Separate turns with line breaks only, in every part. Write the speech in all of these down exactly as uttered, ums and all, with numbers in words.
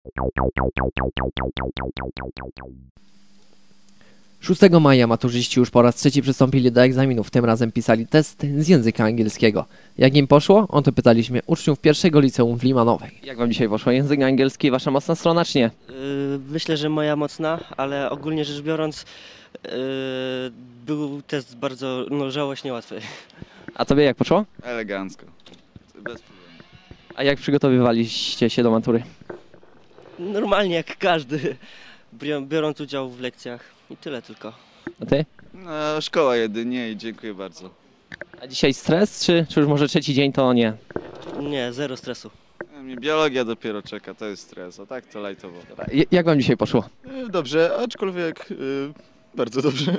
szóstego maja maturzyści już po raz trzeci przystąpili do egzaminów, tym razem pisali test z języka angielskiego. Jak im poszło? O to pytaliśmy uczniów pierwszego liceum w Limanowej. Jak wam dzisiaj poszło? Język angielski, wasza mocna strona czy nie?
Yy, myślę, że moja mocna, ale ogólnie rzecz biorąc yy, był test bardzo, no żałośnie łatwy.
A tobie jak poszło?
Elegancko. Bez problemu.
A jak przygotowywaliście się do matury?
Normalnie jak każdy, bior- biorąc udział w lekcjach i tyle tylko.
A ty?
No, szkoła jedynie i dziękuję bardzo.
A dzisiaj stres, czy, czy już może trzeci dzień to nie?
Nie, zero stresu.
A mnie biologia dopiero czeka, to jest stres, a tak to lajtowo.
J- jak wam dzisiaj poszło?
E, Dobrze, aczkolwiek e, bardzo dobrze.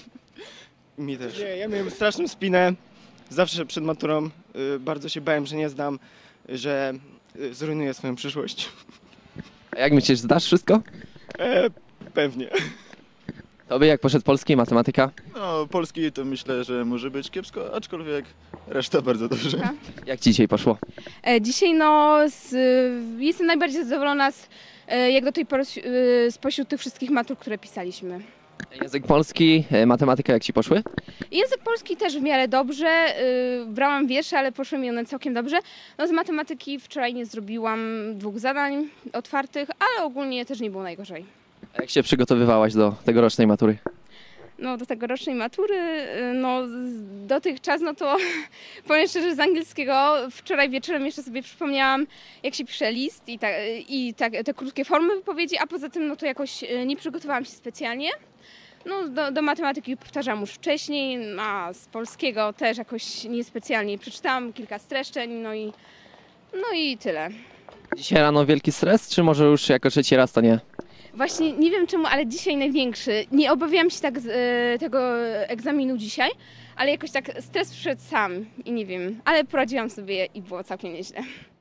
Mi też. Nie, ja miałem straszną spinę. Zawsze przed maturą y, bardzo się bałem, że nie zdam, że y, zrujnuję swoją przyszłość.
A jak myślisz, zdasz wszystko?
E, pewnie.
Tobie jak poszedł polski i matematyka?
No, polski to myślę, że może być kiepsko, aczkolwiek reszta bardzo dobrze.
Jak ci dzisiaj poszło?
E, Dzisiaj no, z, jestem najbardziej zadowolona z, e, jak do tej pory s- e, spośród tych wszystkich matur, które pisaliśmy.
Język polski, e, matematyka jak ci poszły?
Język polski też w miarę dobrze, e, brałam wiersze, ale poszły mi one całkiem dobrze. No z matematyki wczoraj nie zrobiłam dwóch zadań otwartych, ale ogólnie też nie było najgorzej.
A jak się przygotowywałaś do tegorocznej matury?
No do tegorocznej matury, e, no z- dotychczas, no to powiem szczerze, z angielskiego wczoraj wieczorem jeszcze sobie przypomniałam, jak się pisze list i, ta, i ta, te krótkie formy wypowiedzi, a poza tym no to jakoś e, nie przygotowałam się specjalnie. No do, do matematyki powtarzam już wcześniej, a z polskiego też jakoś niespecjalnie przeczytałam kilka streszczeń, no i, no i tyle.
Dzisiaj rano wielki stres, czy może już jako trzeci raz to nie?
Właśnie nie wiem czemu, ale dzisiaj największy. Nie obawiałam się tak z, e, tego egzaminu dzisiaj, ale jakoś tak stres przyszedł sam i nie wiem, ale poradziłam sobie i było całkiem nieźle.